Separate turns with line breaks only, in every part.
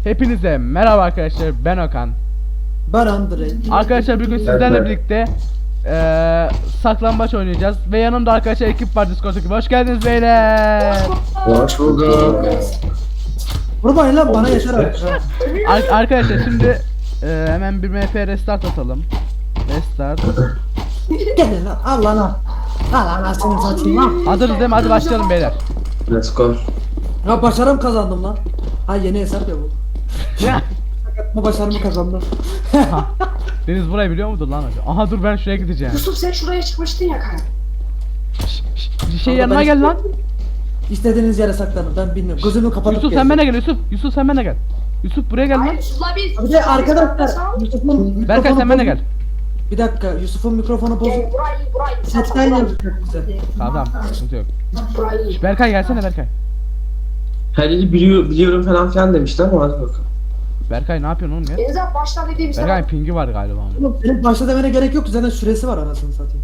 Hepinize merhaba arkadaşlar, ben Okan.
Ben Andrei.
Arkadaşlar bugün sizlerle birlikte saklambaç oynayacağız ve yanımda arkadaşlar ekip var, Discord ekibi. Hoş geldiniz beyler.
Hoş bulduk.
Vurmayın lan bana yeter artık.
Arkadaşlar şimdi hemen bir MP restart atalım. Restart.
Gelin lan al lan al. Al anasını satayım lan.
Hazırız değil mi? Hadi başlayalım beyler.
Let's go.
Ya başarım kazandım lan. Ha yeni hesap ya bu. Bu başarımı kazandım.
Deniz burayı biliyor mudur lan acaba? Aha dur ben şuraya gideceğim.
Yusuf sen şuraya çıkmıştın ya kanka.
Şey yanıma gel lan.
İstediğiniz yere saklanın ben bilmiyorum. Gözümü kapatıp
Yusuf sen bana gel Yusuf. Yusuf sen bana gel. Yusuf buraya gel lan.
Hayır Yusuf'la biz.
Bir de arkadaşlar Yusuf'un
Berkay sen bana
bozuk.
gel.
Bir dakika Yusuf'un mikrofonu bozuk.
Burayı.
Setten yapacak bize.
Tamam sıkıntı yok.
Burayı.
Berkay gelsene Berkay.
Her yeri biliyorum falan demişti ama hadi bakalım.
Berkay ne yapıyorsun oğlum ya?
Deniz abi başla dediğim sana.
Berkay pingi var galiba onun.
Oğlum benim başta demene gerek yok zaten süresi var anasını satayım.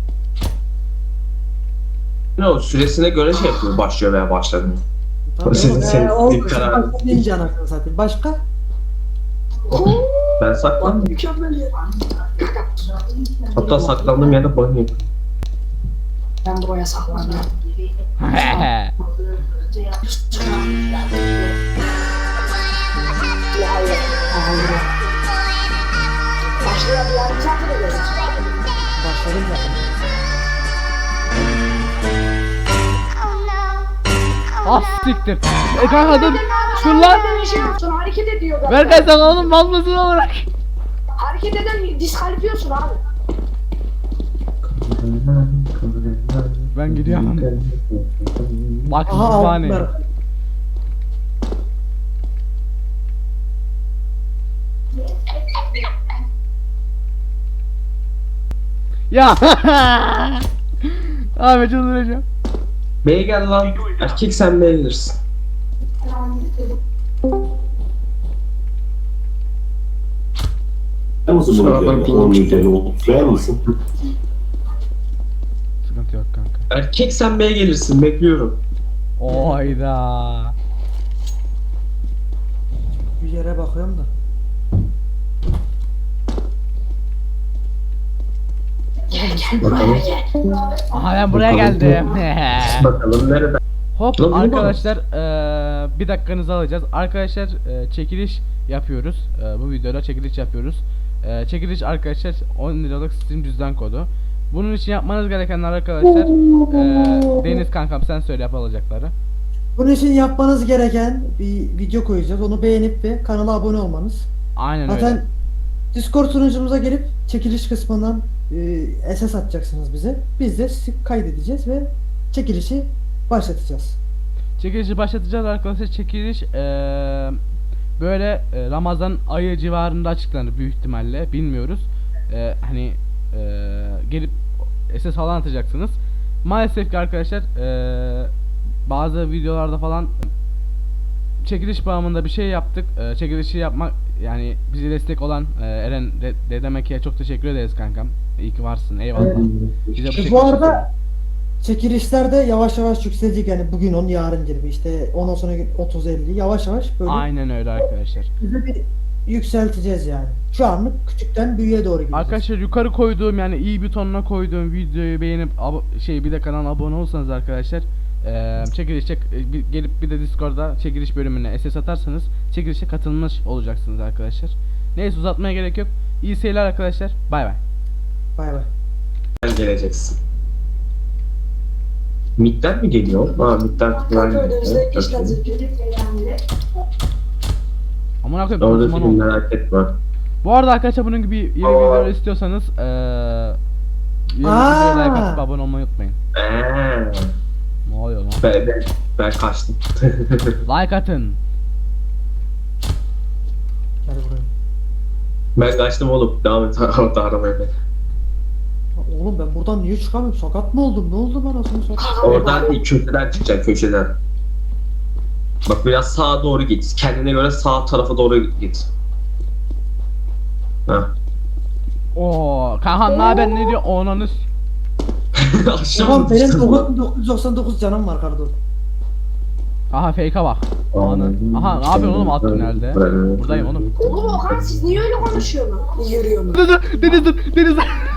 Ne o süresine göre şey yapıyor, başlıyor veya başlamıyor.
Tamam,
Senin
oldu.
kararın.
Başlayınca anasını satayım. Başka?
Ben saklandım.
Mükemmel ya.
Hatta saklandığım yerde banyo.
Ben buraya saklandım. Başlayalım ya. Sen de gelin.
Başladım zaten.
Ah siktir. Kanka dur. Dur lan.
Bir şey yapsın hareket ediyor.
Berkay sen oğlum mal mısın olarak?
Hareket eden diskalifiyorsun abi.
Ben gidiyorum. Bak
Aha aldım
kütüphane.
Berkay.
Ya. Abi çıldıracağım.
Bey gel lan. Erkek sen beğenirsin.
Nasıl
Arabanın pingi çıktı.
Sürer misin?
Sıkıntı yok kanka.
Erkek sen bey gelirsin, bekliyorum.
Oyda.
Bir yere bakıyorum da.
Bakalım.
Aha ben buraya geldim.
Bakalım nerede?
Hop
Lan bu ne
arkadaşlar bir dakikanızı alacağız. Arkadaşlar çekiliş yapıyoruz. Bu videoda çekiliş yapıyoruz. Çekiliş arkadaşlar 10 liralık Steam cüzdan kodu. Bunun için yapmanız gerekenler arkadaşlar Deniz kankam sen söyle yapılacakları.
Bunun için yapmanız gereken bir video koyacağız. Onu beğenip ve kanala abone olmanız.
Aynen
Zaten
öyle.
Discord sunucumuza gelip çekiliş kısmından SS atacaksınız bize. Biz de sizi kaydedeceğiz ve çekilişi başlatacağız.
Çekilişi başlatacağız arkadaşlar. Çekiliş böyle Ramazan ayı civarında açıklanır büyük ihtimalle. Bilmiyoruz. Hani gelip SS falan atacaksınız. Maalesef ki arkadaşlar bazı videolarda falan çekiliş bağımında bir şey yaptık. Çekilişi yapmak yani bize destek olan Eren Dedemeki'ye çok teşekkür ederiz kankam. İyi ki varsın. Eyvallah. Bize
Bu
çekilişi
arada çekilişlerde yavaş yavaş yükselecek yani bugün 10 yarın gibi işte ondan sonra 30-50 yavaş yavaş böyle
aynen öyle arkadaşlar.
bize bir yükselteceğiz yani. Şu anlık küçükten büyüğe doğru gideceğiz.
Arkadaşlar yukarı koyduğum yani iyi butonuna koyduğum videoyu beğenip bir de kanala abone olsanız arkadaşlar gelip bir de Discord'da çekiliş bölümüne SS atarsanız çekilişe katılmış olacaksınız arkadaşlar. Neyse uzatmaya gerek yok. İyi seyirler arkadaşlar. Bay bay.
Bay bay.
Sen geleceksin. Midden mi geliyor? Ha midden falan geliyor.
Amına koyayım.
Orada
Osman
film
oldu.
merak etme.
Bu arada arkadaşlar bunun gibi yeni videolar istiyorsanız yeni videoya like atıp abone olmayı unutmayın. Ne oluyor lan?
Ben kaçtım.
Like atın.
Gel buraya.
Ben kaçtım oğlum. Devam et orada aramaya beni.
Ya oğlum ben buradan niye çıkamıyorum? Sakat mı oldum? Ne oldu bana sonra?
Oradan değil, köşeden çıkacaksın, köşeden. Bak biraz sağa doğru git. Kendine göre sağ tarafa doğru git. Ha.
Oo, Kahan ne haber ne diyor? Onanız.
Aşağı
Tamam
mı
benim
düştün lan?
999 canım var kardeşim.
Aha fake'a bak. Ana. Aha ne yapıyorsun oğlum alt tünelde? Buradayım oğlum.
Oğlum Okan siz niye öyle konuşuyorsunuz? Yürüyorsunuz.
Deniz.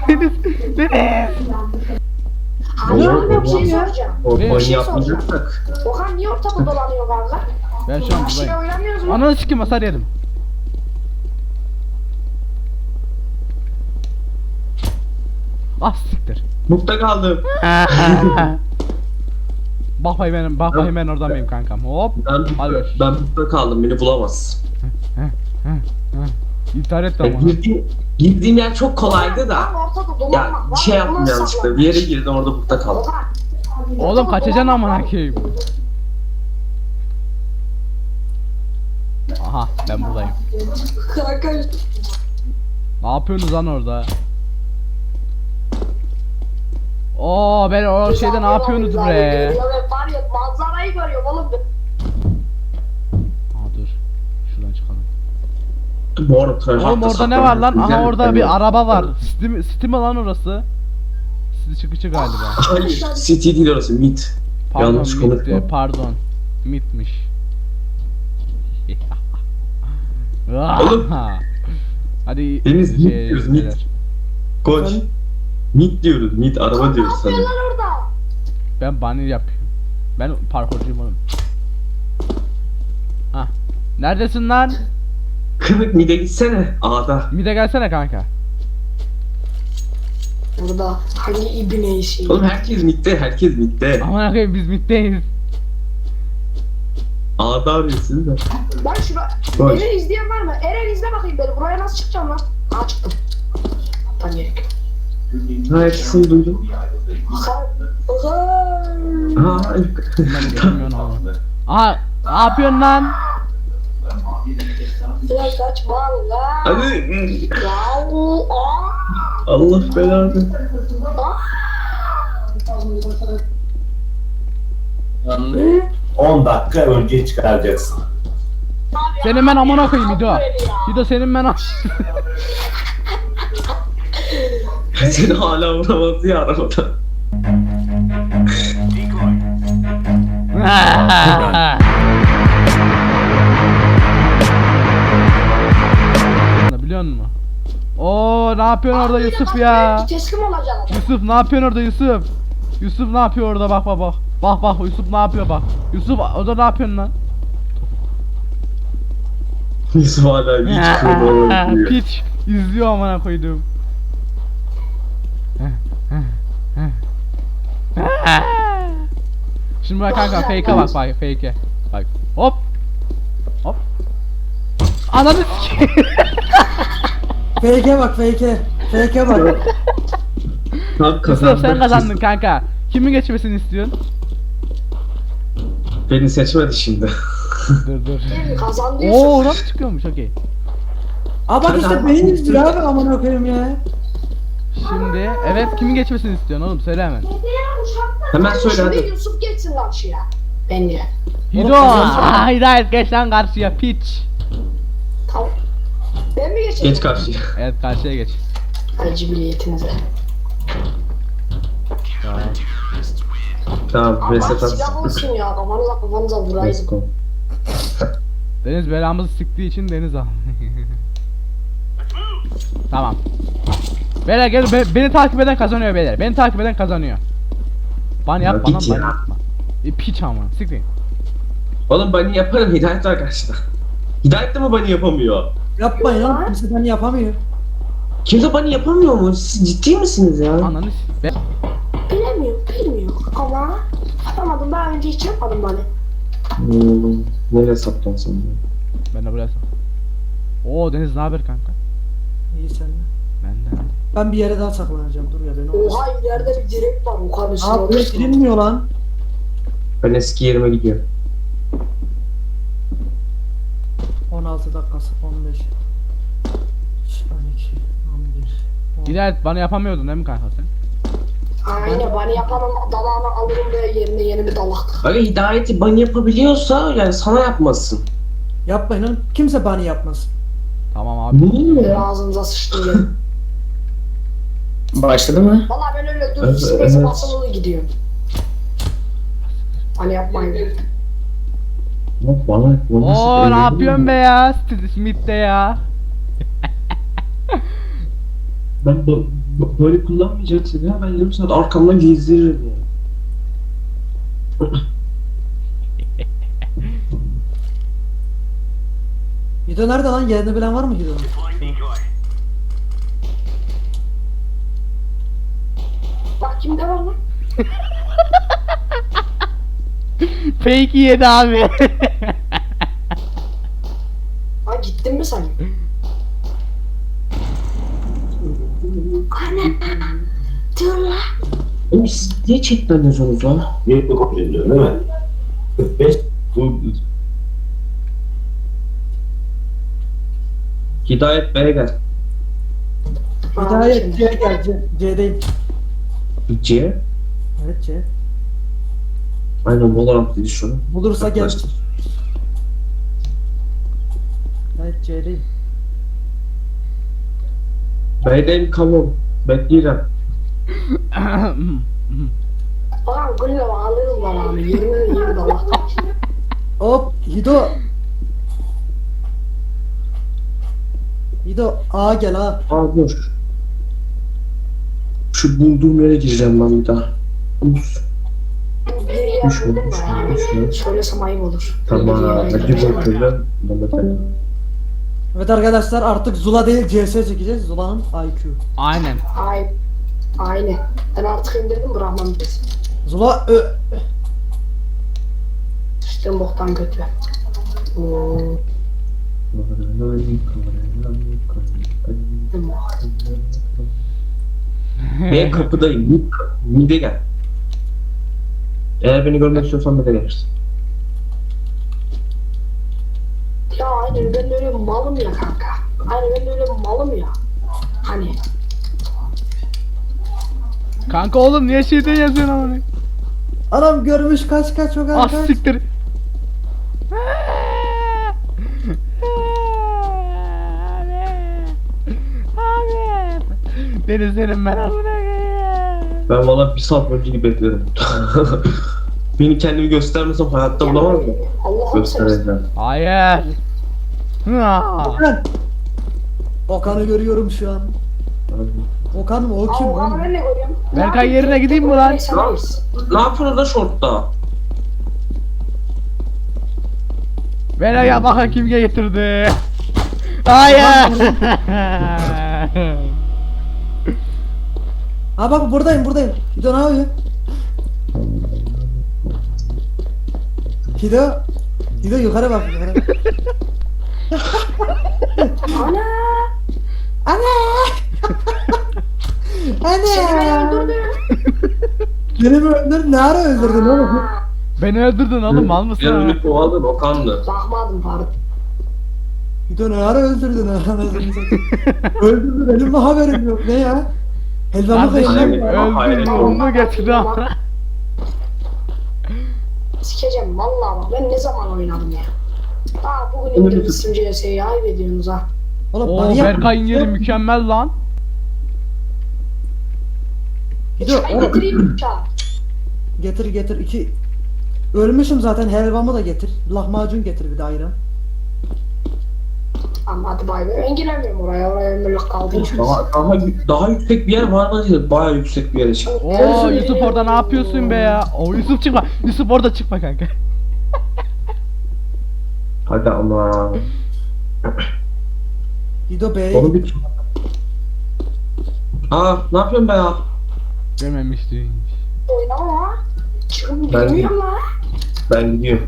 Hayır
Oğlum,
abi bir şey
oğlum.
soracağım.
O
Ne?
banyo
Bir şey
yapmayacaksak.
Okan niye ortada dolanıyor kanka?
Ben şu an
Bir şey
buradayım.
oynamıyoruz mu?
Ananı sikim hasar yedim. Ah siktir.
Mutlu kaldım.
Bak bakayım ben oradan mıyım kankam. Hop. Hadi görüşürüz.
Ben mutlu kaldım. Beni bulamaz.
İntihar etti
Yani
ama.
girdiğim yer çok kolaydı da.
Tam ortada
Ya
dolanmak var.
bir şey yaptım
Bundan
yanlışlıkla.
saklanmak.
Bir yere girdim orada mutlu kaldım.
Okan.
Oğlum kaçacaksın amına koyayım. Aha ben buradayım.
Kanka.
Ne yapıyorsunuz lan orada? Oo ben o şeyde ne yapıyorsunuz bre?
Ya ben var ya manzarayı görüyorum oğlum.
Aa dur. Şuradan çıkalım.
Bu arada tıraş
Oğlum
hatta
orada ne var lan?
saklanmış.
Aha
Güzel
orada
bir
bir araba var. Steam lan orası. City çıkıcı galiba.
Hayır, City değil orası, Mid.
Pardon
Yanlış
MIT'ti,
konuşma.
pardon. MIT'miş.
Oğlum.
Hadi
Deniz, MIT diyoruz, MIT.
beyler.
Koç.
Sen-
Mid diyoruz, Mid araba
Ne
diyoruz sana.
yapıyorlar orada?
Ben bunny yapıyorum. Ben parkurcuyum oğlum. Hah. Neredesin lan?
Kınık Mid'e gitsene. A'da.
Mide gelsene kanka.
Burada hangi ibne işi?
Oğlum herkes Mid'de, herkes Mid'de.
Aman akıyım biz middeyiz.
A'da arıyorsun da.
Ben şuna...
Koş.
Beni izleyen var mı? Eren izle bakayım beni. Buraya nasıl çıkacağım lan? Aa çıktım. Tam gerek.
Ha hepsini duydum.
Okan. Okan.
Ha.
Ben geçemiyorum oğlum. Aha ne yapıyorsun lan?
Biraz kaçma lan.
Hadi.
Ya o.
Allah belanı.
10 dakika önce çıkaracaksın.
Senin ben amına koyayım Hido. Hido senin ben
Seni hala vuramaz ya arabada.
Biliyor musun? Oo ne yapıyorsun orada Yusuf ya?
Teslim olacaksın.
Yusuf ne yapıyorsun orada Yusuf? Yusuf ne yapıyor orada bak bak bak. Bak bak Yusuf ne yapıyor bak. Yusuf orada ne yapıyorsun lan?
Yusuf hala hiç kırmızı diyor.
Piç izliyor amına koydum. Şimdi bak kanka fake'e bak bak fake'e. Bak hop. Hop. Ananı sikeyim.
Fake'e bak fake'e. Fake'e bak.
Tam
Yusuf
kazandık.
sen kazandın kanka. Kimin geçmesini istiyorsun?
Beni seçmedi şimdi.
Dur.
Kazandı
Oo
Yusuf.
oradan çıkıyormuş okey.
Aa bak işte beyin istiyor abi amına koyayım ya.
Şimdi evet kimin geçmesini istiyorsun oğlum söyle hemen.
Hemen söyle
Şimdi
hadi.
Yusuf geçsin karşıya. Bence.
Hido hayır geç lan karşıya piç.
Tamam. Ben mi geçeyim?
Geç karşıya.
Evet karşıya geç.
Hadi cibiliyetinize.
Tamam,
Ama
reset
silah
at.
olsun ya. Kafanıza vurayım.
Let's go.
Deniz belamızı sıktığı için Deniz al. Tamam. Beyler gel beni takip eden kazanıyor beyler. Beni takip eden kazanıyor. Bana
Ya
yapma lan
git
bana
ya.
yapma. Piç ama siktir.
Oğlum bunny yaparım, Hidayet var karşıda. Hidayet de mi bunny yapamıyor?
Yapmayın oğlum. Kimse beni yapamıyor.
Kimse bunny yapamıyor mu? Siz ciddi misiniz ya?
Ananı be.
Bilmiyorum ama yapamadım, daha önce hiç yapmadım bana.
Nereye sattın sen?
Ben de buraya sor. Oo Deniz ne haber kanka?
İyi sen de.
Benden.
Ben bir yere daha saklanacağım. Dur ya beni orası.
Oha ileride bir direk var, o kadar
Ne
üstüne
yapıyor?
orası.
Girilmiyor lan.
Ben eski yerime gidiyorum.
16 dakikası 15 12 11
Hidayet bana yapamıyordun değil mi kanka sen?
Aynen, bana yapanın dalağını alırım ve yerine yeni bir dalak.
Öyle Hidayet'i bunny yapabiliyorsa yani sana yapmasın.
Yapmayın oğlum. Kimse bani yapmasın.
Tamam abi.
Niye?
Ağzınıza sıçtım yerim.
Başladı mı?
Valla ben öyle
Evet,
dur space
evet.
basılı gidiyorum. Hani yapmayın.
Bana
Oo ne yapıyorsun be ya? Steve Smith de ya.
Ben böyle kullanmayacaksın ya. Ben yarım saat arkamdan gezdiririm ya.
Hido nerede lan? Yerini bilen var mı Hido'nun?
Bak kimde var lan?
Fake yedi abi.
Ha gittin mi sen? Ana. Dur lan.
Oğlum siz niye çekmiyorsunuz lan?
Bir kopya ediyor değil mi? 45.
Hidayet Bey'e gel.
Hidayet C'ye gel. C'deyim.
C.
Evet C.
Aynen Valorant dedi şunu.
Bulursa gel.
Arkadaşlar.
Evet C'deyim.
B'deyim kavun. Bekleyeceğim.
Ulan gülle ağlıyoruz lan abi. 20 Allah'tan.
Hop Hido. Hido A gel A.
Aa dur. Şu bulduğum yere gireceğim ben bir daha. Ups.
Bir yer
Düşme,
buldum da
düşme,
yani.
düşme.
Söylesem ayıp olur.
Tamam.
Bir yere
Hadi
gireceğim.
bakalım. Mehmet
Evet arkadaşlar artık Zula değil CS çekeceğiz. Zula'nın IQ.
Aynen.
Ay. Aynen. Ben artık indirdim bırakmam biz.
Zula
Sıçtığım boktan kötü. Oo.
Ben kapıdayım. Mide gel. Eğer beni görmek istiyorsan mide gelirsin.
Ya aynen ben de öyle malım ya kanka. Aynen ben de öyle malım ya. Hani.
Kanka oğlum niye şeyden yazıyorsun ama?
Adam görmüş kaç o
Ah
kadar.
siktir. Abi. Beni senin ben amına koyayım.
Ben valla bir saat önce gibi bekledim. Beni kendimi göstermesem hayatta bulamaz mı?
Allah'ım sen.
Göstereceğim.
Hayır. Ha.
Okan. Okan'ı görüyorum şu an. Okan mı? O kim
Allah'ım
lan?
ben de görüyorum.
Berkay yerine gideyim mi lan?
Ne yapıyorsun da şortta?
Bela ya bakın kim getirdi. Hayır.
Ha bak buradayım. Hido ne yapıyor? Hido yukarı bak yukarı.
Ana. Seni beni
Anne.
öldürdü.
Beni mi öldürdün? Ne ara öldürdün oğlum?
Beni öldürdün oğlum mal mısın? ha?
Yarını kovaldın Okan'dı.
Bakmadım pardon.
Hido ne ara öldürdün anasını satayım. Öldürdün benim de haberim yok ne ya? Helvamı
Kardeşim
kayırdım.
öldürdün onu getirdi ama.
Sikeceğim vallahi bak ben ne zaman oynadım ya. Aa bugün indirmişsin CS'yi ayıp ediyorsunuz ha.
Oğlum
Oo
manyak
Berkay'ın
mısın?
yeri mükemmel lan.
Hido
Çay
oğlum
getireyim çay.
getir iki. Ölmüşüm zaten helvamı da getir. Lahmacun getir bir de ayran.
Ama hadi bay bay. Ben giremiyorum oraya. Oraya ömürlük kaldı.
Daha yüksek bir yer var mı diye bayağı yüksek bir yere çık.
Oo Yusuf orada ne yapıyorsun be ya? Oo Yusuf çıkma. Yusuf orada çıkma kanka.
Hadi ama.
Hido B'ye
Onu
git.
bir... Aa ne yapıyorsun be ya?
Dememiştin.
Oynama ha. Çıkın
Ben-
bilmiyorum lan.
Ben gidiyorum.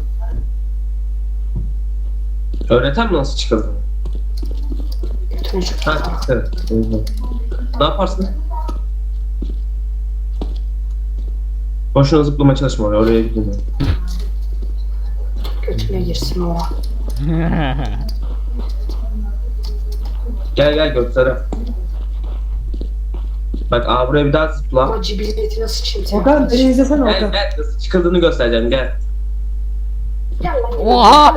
Öğreten mi nasıl çıkıldığını?
Götünü çık.
Ha evet. Ne yaparsın? Boşuna zıplamaya çalışma oraya gideyim.
Götüne girsin o.
Gel göster. Bak buraya bir daha zıpla.
Ama cibiliyetine sıçayım seni.
Okan beni izlesene
Gel
Okan.
nasıl çıkıldığını göstereceğim gel.
Gel lan.
Oha!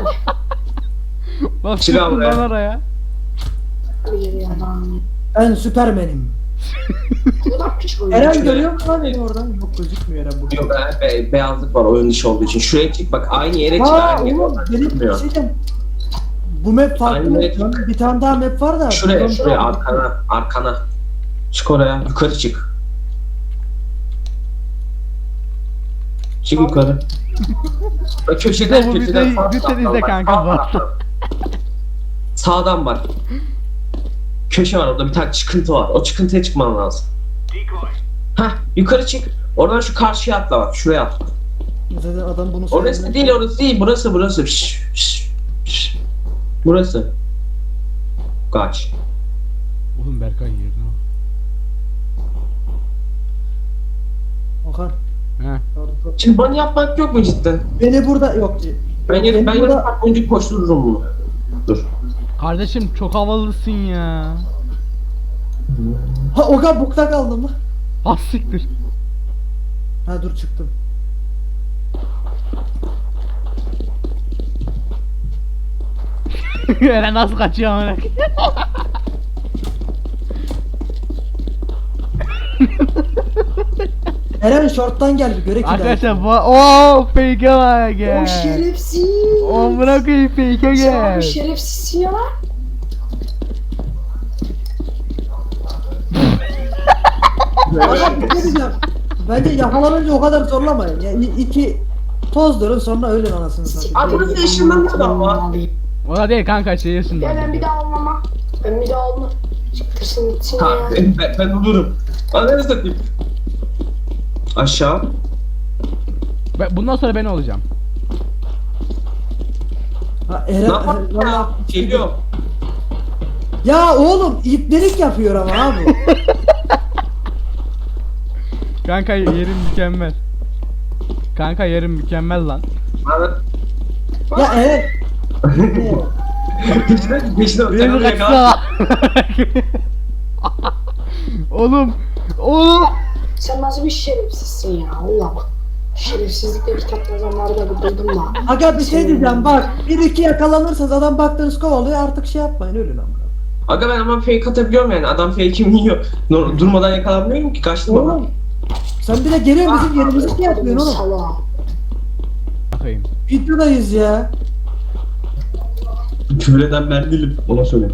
Nasıl
Çık
çıktın
abi.
lan oraya?
Bir adam.
Ben Süpermen'im.
Bu da küçük oyun.
Eren görüyor musun lan beni oradan? Yok gözükmüyor Eren burada.
Yok beyazlık var oyun dışı olduğu için. Şuraya çık bak aynı yere çık.
Ha
Aynı yere
oğlum benim
çıkmıyor.
şeyden bu map farklı
Aynı
map
yere
lan. Bir tane daha map var da.
Şuraya
buradan-
şuraya arkana. Çık oraya yukarı çık. Çık yukarı. Bak köşeden
Bu
köşeden
videoyu
sağ
lütfen
taraftan
izle
bak,
kanka
sağ
bu arada.
taraftan. Sağdan bak. Köşe var orada bir tane çıkıntı var. O çıkıntıya çıkman lazım. Hah yukarı çık. Oradan şu karşıya atla bak. Şuraya atla.
Zaten adam bunu
Orası
söyledi.
değil orası değil. Burası. Şşş. Burası. Kaç.
Oğlum Berkay yerine bak.
Okan.
He.
Şimdi bana yapmak yok mu cidden?
Beni burada yok.
Ben
Beni
yarın
burada-
saat boyunca koştururum bunu. Dur.
Kardeşim çok havalısın ya.
Ha Okan bukta kaldım lan.
Az siktir.
Ha dur çıktım.
Eren nasıl kaçıyor amına.
Eren short'tan gel bir göre ki.
Arkadaşlar bu ooo fake'e bak
O
gel.
şerefsiz.
Amına koyayım fake'e
Sen
gel.
abi şerefsizsin ya lan.
Okan bir şey diyeceğim. Bence yakalanınca o kadar zorlamayın. Ya iki toz durun sonra ölün anasını satayım.
Abi burası ışınlanıyor ama.
O da değil kanka şey yaşında.
Ya ben bir daha olmama. Ben bir daha olma. Çıktırsın gitsin
Ha,
ya.
ben olurum. Ananı satayım. Aşağı.
Bundan sonra ben olacağım.
Ha,
Ne
Eren,
yapalım ya?
valla-
Geliyor.
Ya oğlum iplerik yapıyor ama abi.
Kanka yerim mükemmel. Kanka yerim mükemmel lan.
Bana
Ya Eren.
peşinden
Beni
takılıyor ya.
kaçsana. Oğlum. Oğlum.
Sen nasıl bir şerefsizsin ya Allah. Şerefsizlikle kitap yazanları da duydum da.
Aga bir şey diyeceğim bak. Bir iki yakalanırsanız adam baktığınız kovalıyor artık şey yapmayın ölün ama.
Aga ben ama fake atabiliyorum yani. Adam fake'imi yiyor. Durmadan yakalanmıyorum ki. Kaçtım ama.
Oğlum. Sen bir de geliyor bizim yerimizi şey yapıyorsun oğlum.
Salağa.
Bakayım.
Videodayız ya.
Küfür eden ben değilim. Ona söyleyeyim.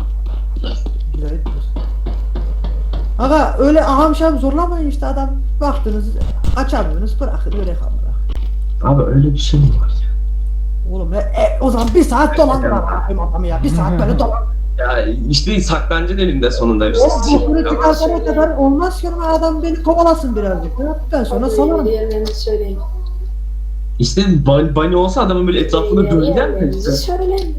Aga öyle aham şam zorlamayın işte adam baktınız açamıyorsunuz bırakın öyle kalır.
Abi öyle bir şey mi var ya?
Oğlum o zaman bir saat dolan bırakayım adamı ya bir saat böyle dolan.
Ya işte saklanca elinde sonunda.
Oğlum bunu çıkartana kadar olmaz ki ama adam beni kovalasın birazcık. Ben sonra salarım.
Diğerlerini söyleyin.
İşte bunny olsa adamın böyle etrafında döner mi?
Diğerlerinizi söyleyin.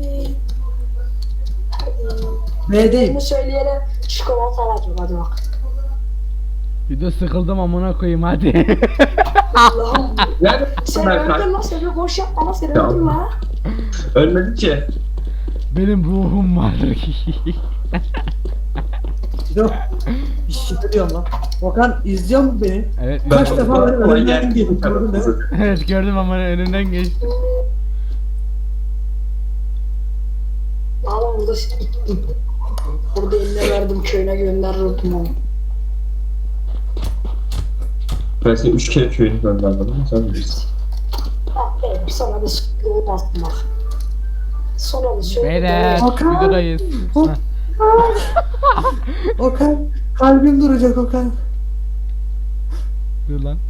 B'deyim.
Bunu söyleyelim. Çikolata alacağım hadi bak.
Bir de sıkıldım amına koyayım hadi.
Allah'ım.
Yani
Sen
Berkay
öldün lan sen bir boş yapma lan sen
Ya.
öldün lan.
ölmedi ki.
Benim ruhum var.
Dur. Bir şey diyorum lan. Okan izliyor mu beni?
Evet.
Kaç defa
Kolay
benim önümden
geldi.
geçti, gördün değil mi?
Evet gördüm ama önünden geçti.
Ağlam burada burada eline verdim köyüne gönderirdim onu.
Ben seni 3 kere köyünü gönderdim ama sen bilirsin.
Bak be bir sana da sıkıntı olmazdı bak. Sonra da şöyle.
Beyler
Hakan.
videodayız.
Hop. Okan kalbim duracak Okan.
Dur lan.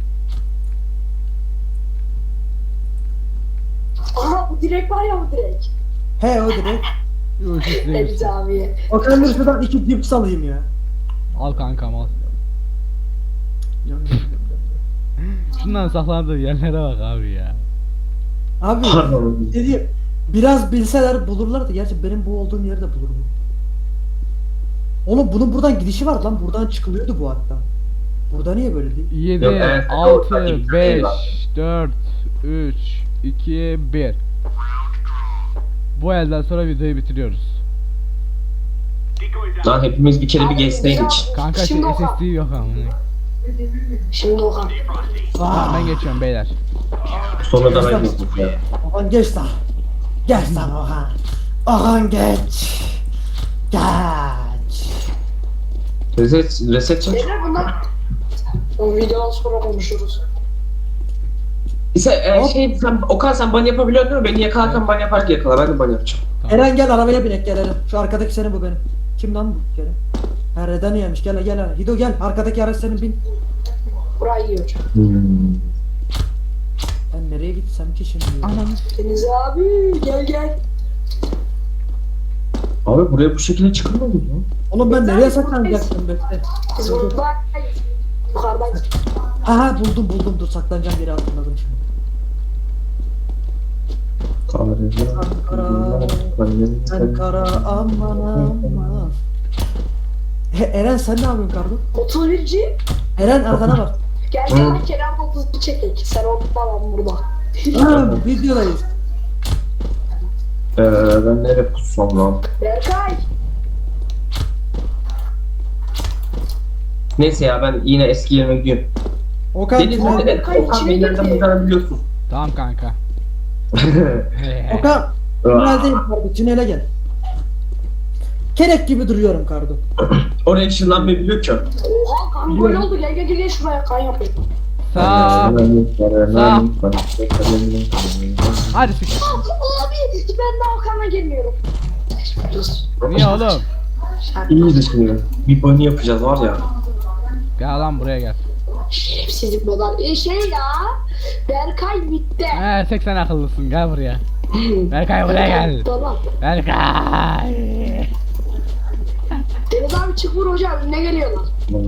Aha bu direkt var ya bu direkt.
He o direkt.
Yok işte.
Deniz abiye.
Okan dur şuradan iki cips alayım ya.
Al kankam al. Şundan saklandığı yerlere bak abi ya.
Abi
Pardon.
dediğim biraz bilseler bulurlardı. Gerçi benim bu olduğum yerde bulur bu. Oğlum bunun buradan gidişi var lan. Buradan çıkılıyordu bu hatta. Burada niye böyle değil?
7,
Yok, evet,
6,
orada bir tane
5,
var.
4, 3, 2, 1. Bu elden sonra videoyu bitiriyoruz.
Lan hepimiz bir kere bir geçseydik.
Kanka
Şimdi
şey
Okan.
SSD yok ama.
Şimdi Okan.
Tamam ben geçiyorum beyler.
Sonra da ben geçtim ya.
Okan geç lan. Geç lan Okan. Okan geç. Geç.
Reset çek.
Beyler bunlar. O videodan sonra konuşuruz.
Okan sen ban yapabiliyor değil mi? Beni yakalarken ban yaparken yakala. Ben de ban yapacağım.
Eren gel arabaya binek gel Eren. Şu arkadaki senin bu benim. Kim lan bu? Gel. Ha Reden yemiş gel gel Eren. Hido gel arkadaki araç senin bin.
Burayı iyi hocam.
Ben nereye gitsem ki şimdi?
Anam.
Deniz abi gel.
Abi buraya bu şekilde çıkılmıyor mu?
Oğlum ben
Güzel
nereye
bir
saklanacaktım bekle.
Biz burada yukarıdan
Aha buldum dur saklanacağım yeri hatırladım şimdi. Sen kara aman aman. Eren sen ne yapıyorsun kardeşim?
31'ci.
Eren arkana bak.
Gel kenarda 32 çekek. Sen orada ben burada.
Ha, videodayız.
Ben nereye pussam lan?
Berkay.
Neyse ya ben yine eski yerime gidiyorum.
Okan
Deniz Okan beni nereden bulacağını biliyorsun.
Tamam kanka.
Okan tüneldeyim kardeşim tünele gel. Kerek gibi duruyorum kardeşim.
Oraya ışınlanmayı biliyor ki.
Oha kan böyle oldu. Gel şuraya kan yapayım.
Sağ. Hadi siktir.
Abi ben daha Okan'a gelmiyorum.
Niye oğlum?
İyiyiz şimdi. Bir bunny yapacağız var ya.
Gel lan buraya gel.
Şerefsizlik model. Ya. Berkay bitti.
He tek sen akıllısın gel buraya. Berkay buraya gel.
Tamam.
Berkay.
Deniz abi çık vur hocam. Ne geliyorlar?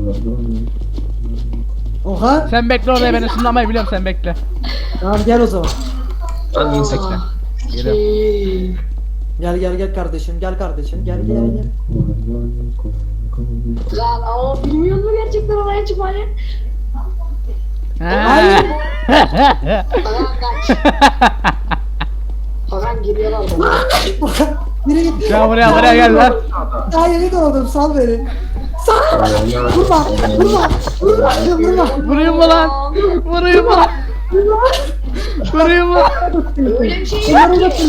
Oha.
Sen bekle oraya ben ışınlamayı biliyorum sen bekle.
Tamam gel o zaman.
Ben de insekten.
Geliyorum.
Gel kardeşim gel kardeşim gel.
Lan ama bilmiyor mu gerçekten oraya çıkmayı?
He.
Hakan kaç. Hakan geliyorlar bana.
Okan yürü git.
Gel buraya gel lan.
Daha yeni doğdum sal beni. Vurma.
Vurayım mı lan? Vurayım mı lan? Vurayım mı?
Öyle bir şey yok ki.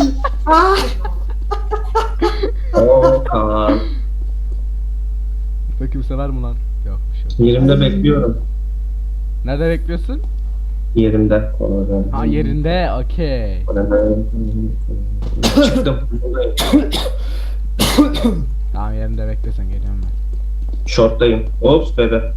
Okan.
Bakayım sever mi lan? Yok bir şey yok.
Yerimde bekliyorum.
Nerede bekliyorsun?
Yerimde.
Ha yerinde okey.
Çıktım.
Tamam yerinde beklesen geliyorum ben.
Short'tayım. Ops bebe.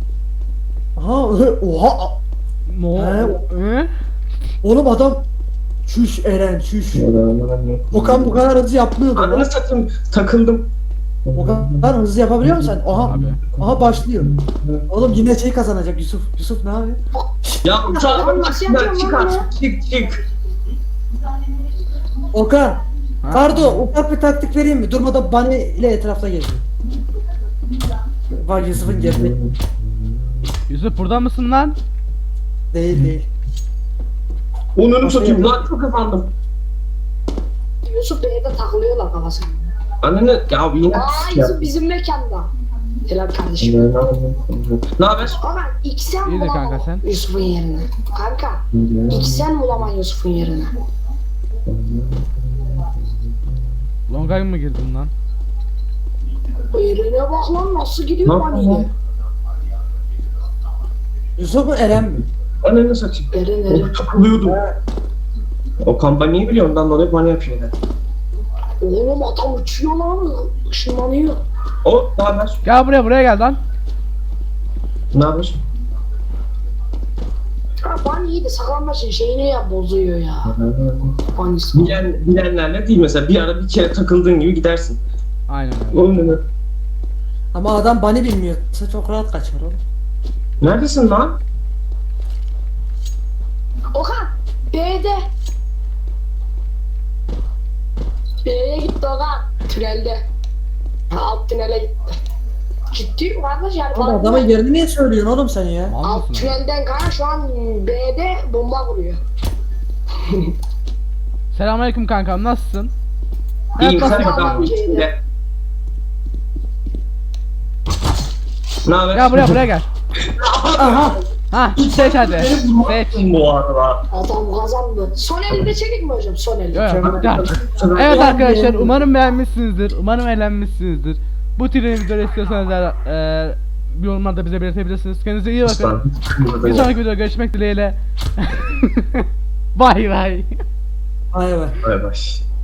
Oha.
He?
Oğlum adam çüş Eren çüş. Okan bu kadar hızlı yapmıyordu
Ananı
lan.
satayım. Takıldım.
Okan hızlı yapabiliyor musun sen?
Abi.
Aha başlıyor. Oğlum yine şey kazanacak Yusuf. Yusuf ne yapıyor?
Ya uçağın
Nasıl
başından
yapacağım
çık
lan
artık. Çık.
Okan.
Ha?
Kardo ufak bir taktik vereyim mi? Durmadan Bunny ile etrafta geziyor. Bak Yusuf'un geride.
Yusuf burada mısın lan?
Değil.
Onunu satayım lan çok kazandım.
Yusuf Bey'de takılıyorlar kafasına.
Ananı ya yine
Aa
ya.
Yusuf bizim mekanda. Helal kardeşim.
Ne haber?
Ama ilk sen
İyidir
bulamam
kanka sen.
Yusuf'un yerine. Kanka ilk sen bulamam Yusuf'un yerine.
Longay mı girdin lan?
Yerine bak lan nasıl gidiyor
Ne
lan
yapıyorsun
yine.
Yusuf mu Eren mi?
Ananı satayım.
Eren.
Takılıyordum. O kampanyayı biliyor ondan dolayı bana yapıyor.
Oğlum adam uçuyor lan. Işınlanıyor.
O ne haber?
Gel buraya gel lan.
Ne haber?
Ha ban iyi de saklanmasın şeyini ya bozuyor ya. Ban ismi.
Bilenlerle değil mesela bir ara bir kere takıldığın gibi gidersin.
Aynen öyle.
Oğlum ne?
Ama adam Bunny bilmiyorsa çok rahat kaçar oğlum.
Neredesin lan?
Okan B'de. B'ye gitti Okan. Tünelde. Ha, alt tünele gitti. Ciddi kardeş yani.
Oğlum
bana-
adamın yerini niye söylüyorsun oğlum sen ya?
Mal
Alt
mısın lan?
tünelden kanka şu an B'de bomba vuruyor.
Selamünaleyküm kankam nasılsın?
İyiyim sen
bakayım
bakalım
adam
içinde. Ne haber?
Gel buraya gel.
Aha.
Ha seç hadi.
Beni
Seç.
vurmazsın bu arada.
Adam kazandı. Son elde çekik mi hocam? Son elde.
Yok, gel. Evet arkadaşlar umarım beğenmişsinizdir. Umarım eğlenmişsinizdir. Bu tür videoları istiyorsanız yorumlarda bize belirtebilirsiniz. Kendinize iyi bakın.
Aslan.
Bir sonraki videoda görüşmek dileğiyle. Bay bay.
Ay be.
Bay bay.